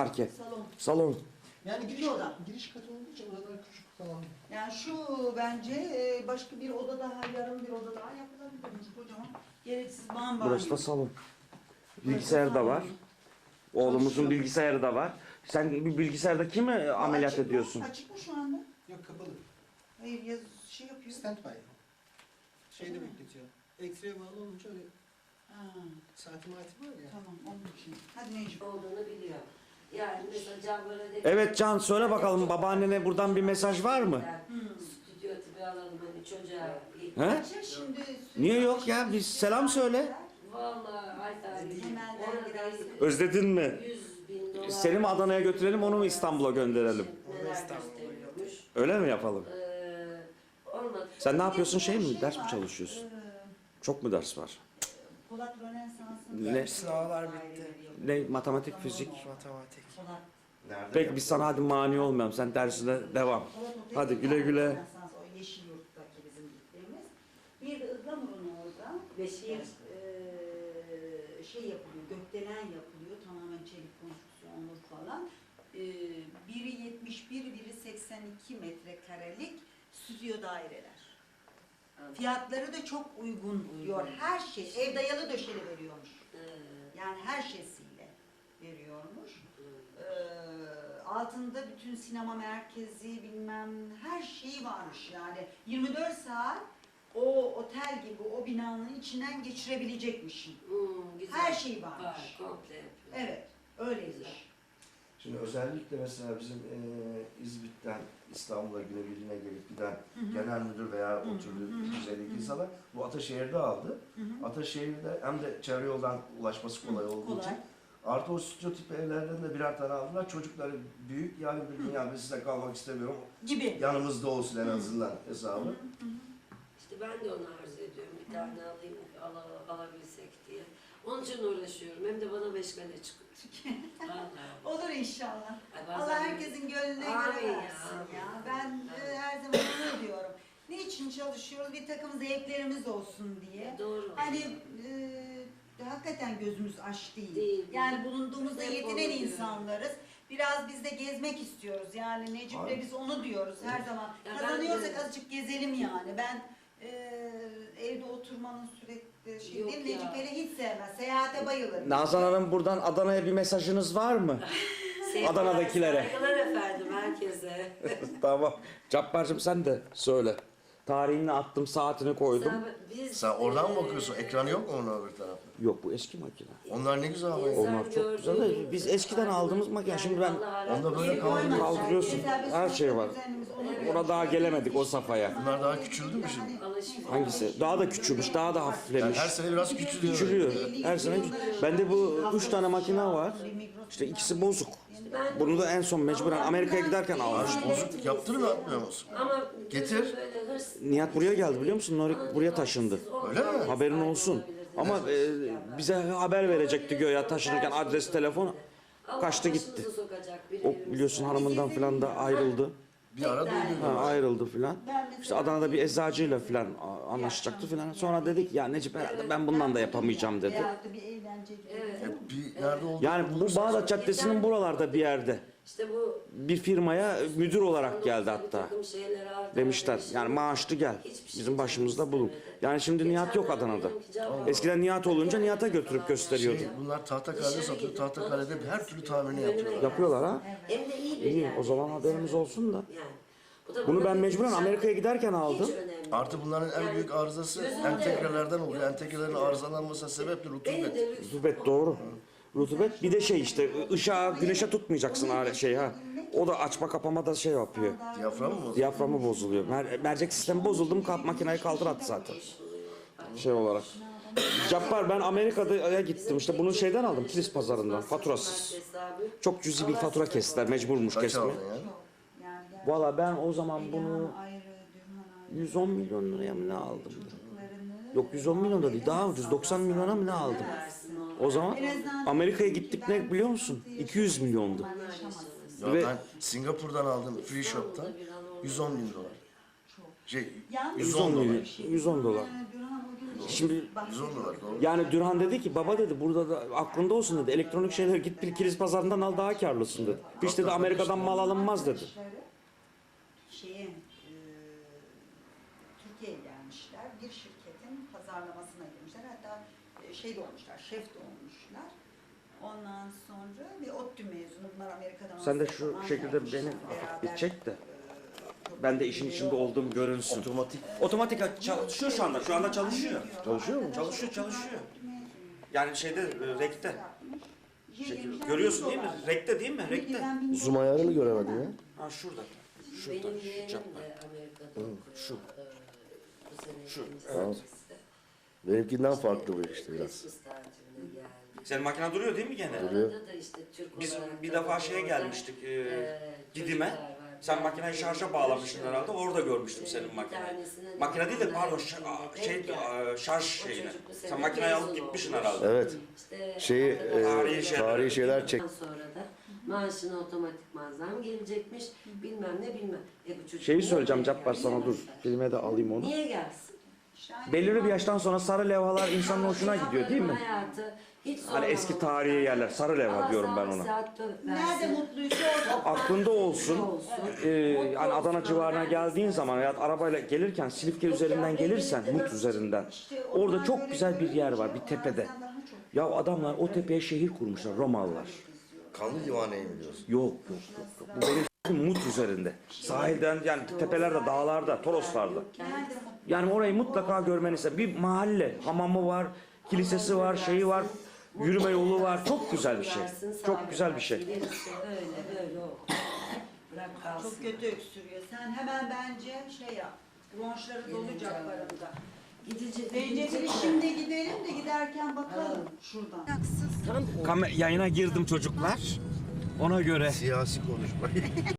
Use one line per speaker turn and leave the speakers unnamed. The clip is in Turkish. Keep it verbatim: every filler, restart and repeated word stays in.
parke?
Salon.
Salon.
Yani giriş,
Bir oda.
giriş katı olduğu için odalar küçük falan.
Yani şu bence e, başka bir oda daha, yarım bir oda daha yapılabilir. Kocaman gereksiz bambanyo.
Burası da salon. Bilgisayar da var. Oğlumuzun bilgisayarı da var. Sen bir bilgisayarda kimi ameliyat
Açık mı?
ediyorsun?
Açık mı şu anda?
Yok kapalı.
Hayır yaz şey yapıyor.
Standby. Şeyde bekletiyor. X-ray'e bağlı olunca öyle
Ha,
saati maati var ya.
tamam onun için. Hadi Necip.
olduğunu biliyor. Yani mesela Can böyle de...
Evet Can, söyle bakalım babaannene buradan bir mesaj var mı?
Hmm.
Stüdyo tipi alalım hani çocuğa.
He?
Kaça şimdi?
Niye yok ya? Bir selam söyle.
Vallahi ay tarihi.
Hemen
Orada
gidersin.
Özledin mi?
yüz bin dolar.
Seni mi Adana'ya götürelim, onu mu İstanbul'a gönderelim?
Neler gösteriyormuş.
Öyle mi yapalım?
Ee, olmadı.
Sen ne yapıyorsun, şey mi? Ders mi çalışıyorsun?
Ee,
Çok mu ders var?
Polat Rönesans'ın...
Ne?
Sınavlar bitti.
Ne? Matematik, fizik.
Matematik.
Polat.
Peki biz sana hadi mani olmayalım. Sen dersine devam.
Polat Otel
Hadi güle güle.
Rönesans, o yeşil yurttaki bizim gittiğimiz. Bir de Ihlamur'un orada
Beşiktaş.
bir eee, şey yapılıyor, gökdelen yapılıyor. Tamamen çelik konstrüksiyonlu falan. Eee, biri yetmiş bir, biri seksen iki metrekarelik stüdyo daireler. Fiyatları da çok uygun diyor. Her şey, ev dayalı döşeli veriyormuş.
Ee,
Yani her şeysiyle veriyormuş. Ee, altında bütün sinema merkezi bilmem her şeyi varmış yani. yirmi dört saat o otel gibi o binanın içinden geçirebilecekmişim.
hmm, güzel.
Her şey varmış.
Var, komple yapıyor.
Evet, öyleymiş.
Şimdi özellikle mesela bizim e, İzmit'ten İstanbul'a günebirliğine gelip giden genel müdür veya o türlü düzeydeki insanlar bu Ataşehir'de aldı. Ataşehir'de hem de çevre yoldan ulaşması kolay olduğu
Kolay.
için artı o stüdyo tipi evlerden de birer tane aldılar. Çocukları büyük, yani bir gün yani ben size kalmak istemiyorum.
Gibi.
Yanımızda olsun en azından hesabı.
İşte ben de onu arzu ediyorum. Bir tane alayım, ala, alabilsek diye. Onun için uğraşıyorum. Hem de bana meşgale çıkıyor. Vallahi.
Olur inşallah.
Ay, bazen-
Allah herkesin gönlüne
Amin
göre
ya,
versin ya.
amin.
Ben e, her zaman onu diyorum. Niçin çalışıyoruz? Bir takım zevklerimiz olsun diye.
Doğru.
Hani e, hakikaten gözümüz aç değil.
Değil.
Yani bulunduğumuzda
Hep
yetinen
onu diyorum.
insanlarız. Biraz biz de gezmek istiyoruz. Yani Necip'le
Aynen.
biz onu diyoruz her zaman.
Ya ben
Kazanıyorsak
de-
azıcık gezelim yani. Ben e, evde oturmanın sürekli şey
Yok
değil.
ya.
Necip hele hiç sevmez. Seyahate bayılır.
Nazan Hanım, buradan Adana'ya bir mesajınız var mı?
Sevgiler,
Adana'dakilere.
Saygılar efendim herkese.
Tamam. Cabbar'cığım sen de söyle. Tarihini attım, saatini koydum.
Sen, biz,
Sen oradan mı
eee,
bakıyorsun? Ekranı yok mu onun öbür tarafta?
Yok, bu eski makine.
Onlar ne güzel ama.
İnsan
Onlar çok güzel de
gördüğümüz-
biz eskiden aldığımız makine. Şimdi ben-
Onda böyle
Koymadılar.
kaldırıyorsun.
Mesela biz
Her şey var.
düzenimiz onu
Evet.
diyor.
Ona daha gelemedik o safhaya.
Bunlar daha küçüldü mü şimdi?
Alışveriş.
Hangisi? Daha da küçülmüş, daha da
Yani
hafiflemiş.
her sene biraz küçülüyor.
Küçülüyor. Her sene küç- Bende bu üç tane makine var. İşte ikisi bozuk.
Ben-
Bunu da en son mecburen Amerika'ya giderken almıştım.
Bozuk yaptırır mı, atmıyor musun?
Ama
Getir.
böyle hırs-
Nihat buraya geldi biliyor musun? Nuri buraya taşındı.
Öyle mi?
Haberin olsun. Ama e, bize haber verecekti göya taşınırken adres, telefon. Kaçtı gitti. O biliyorsun hanımından falan da ayrıldı.
Bir ara duydum.
Ha, ayrıldı filan. İşte Adana'da bir eczacıyla filan a- anlaşacaktı filan. Sonra dedik ya Necip herhalde ben bundan da yapamayacağım dedi.
Veyahut da bir eğlence gibi.
Evet.
Hep bir nerede olduğunu
Yani bu Bağdat Caddesi'nin buralarda bir yerde
İşte bu
bir firmaya müdür olarak geldi
bir
hatta.
takım şeyleri artık
Demişler
öyle bir şey
yani
yok.
maaşlı gel.
Hiçbir şey
Bizim başımızda bulun.
istemedi.
Yani şimdi Nihat yok
Geçenlerde
Adana'da.
diyorum ki, Can-
Eskiden Nihat olunca Nihat'a götürüp gösteriyordu.
Şey, bunlar Tahtakale'de satıyor. Tahtakale'de her türlü tamirini yapıyorlar.
Yapıyorlar ha.
Hem de iyi bir
İyi
yer.
o zaman haberimiz olsun da.
Yani. Bu da
Bunu
bana
ben
bir
mecburen
güzel-
Amerika'ya giderken
Hiç
aldım.
önemli
Artı bunların en büyük arızası
Gözünde
entegrelerden
yok.
oluyor. Entegrelerin arızalanmasına sebep de
Benim
rutubet.
de lüks-
Rutubet doğru. Rutubet bir de şey işte ışığa güneşe tutmayacaksın ha- şey ha. O da açma kapama da şey yapıyor.
Diyafram mı?
Diyaframı bozuluyor. Mer- mercek sistemi bozuldu mu kalk makineyi kaldır at zaten. Şey olarak. Cappar ben Amerika'ya gittim işte bunu şeyden aldım Kilis pazarından faturasız. Çok cüzi bir fatura kestiler mecburmuş
Kaç
kesmeye.
aldın ya?
Yani gerçekten
Valla ben o zaman bunu
ayrı, Dürhan ayrı.
yüz on milyon liraya mı ne aldım?
Çocuklarını-
Yok yüz on milyon da değil daha ucuz doksan milyona mı ne aldım? O zaman Amerika'ya gittik ne biliyor musun? iki yüz milyondu.
Ya
Ve-
ben Singapur'dan aldım Free Shop'tan yüz on bin dolar. Şey,
Yalnız
yüz
yüz
on
on
dolar.
milyon, yüz on dolar.
Yani Dürhan o gün
Şimdi
Güzel olarak doğru.
yani Dürhan dedi ki baba dedi burada da aklında olsun dedi. Elektronik şeyler git bir kilis pazarından al daha karlısın dedi. Hiç dedi Amerika'dan mal alınmaz dedi.
Şeye, e, Türkiye'ye gelmişler. Bir şirketin pazarlamasına girmişler. Hatta e, şey de olmuşlar, şef de olmuşlar. Ondan sonra bir ODTÜ mezunu. Bunlar Amerika'dan
Sen de
master
şu
falan
şekilde
yapmışlar.
beni
Beraber,
bir çek de.
e,
Ben de işin içinde olduğum görünsün.
Otomatik
Otomatik çalışıyor şu anda. Şu anda çalışıyor.
çalışıyor mu?
Çalışıyor, çalışıyor. Yani şeyde e, rekte. Şey,
Şey,
görüyorsun değil mi? Rekte değil mi? Rekte.
Zoom ayarını göremedim ya.
Ha şurada.
Benim
Şurada.
yeğenim
Şu
de
Cabbar.
Amerika'da okuyor.
şu.
Ee, bu sene
Şu,
ikinci
evet.
semestre.
Benimkinden farklı bu işte biraz.
Christmas tatiline geldi.
Senin makine duruyor değil mi gene?
Duruyor.
Arada da işte Türk
Biz
olarak
bir
da
defa
orada,
şeye gelmiştik. E,
e,
Didim'e.
çocuklar var.
Sen makineyi şarja bağlamıştın herhalde. Orada görmüştüm senin
Bir
makineyi.
tanesine
Makine değil de
de
pardon
onlar
şa-
gittiğinde
şey
denk geldi.
e, şarj
O
şeyine.
çocuk bu
Sen
sene
makineyi alıp
mezun
gitmişsin
olmuş.
herhalde.
Evet.
İşte
Şeyi,
arkadaşlar-
e,
Tarihi şeyler.
tarihi şeyler çek.
Sonra da maaşına otomatikman zam gelecekmiş. Bilmem ne bilmem. E bu çocuk
Şeyi
niye
söyleyeceğim
buraya
Cabbar sana dur.
gelsin?
Filme de alayım onu.
Niye gelsin?
Belirli bir yaştan sonra sarı levhalar insanın hoşuna gidiyor değil mi?
Hayatı hiç
Hani eski tarihi yerler, sarı levha diyorum ben ona.
Nerede mutluysa orada.
Aklında olsun. Ee, yani Adana civarına geldiğin zaman veya arabayla gelirken Silifke üzerinden gelirsen, Mut üzerinden.
İşte
Orada
onlar
çok
böyle
güzel bir yer
görünce
var, bir
onlar
tepede.
senden daha çok
Ya adamlar o tepeye şehir kurmuşlar, Romalılar.
Kanlı divaneye mi diyorsun?
Yok yok yok. yok. Bu benim s**tim Mut üzerinde. Sahilden yani tepelerde, dağlarda, Toroslarda.
Nerede mutlu?
Yani orayı mutlaka görmeni isterim. Bir mahalle, hamamı var, kilisesi var, şeyi var, yürüme yolu var. Çok güzel bir şey. Çok güzel bir şey.
Öyle böyle o. Bırak kalsın.
Çok kötü öksürüyor. Sen hemen bence şey yap. Bronşları dolu Cabbar'ında.
Gidecek.
Zencefili şimdi gidelim de giderken bakalım şuradan.
Tam
Kam- yayına girdim çocuklar. Ona göre
Siyasi konuşma.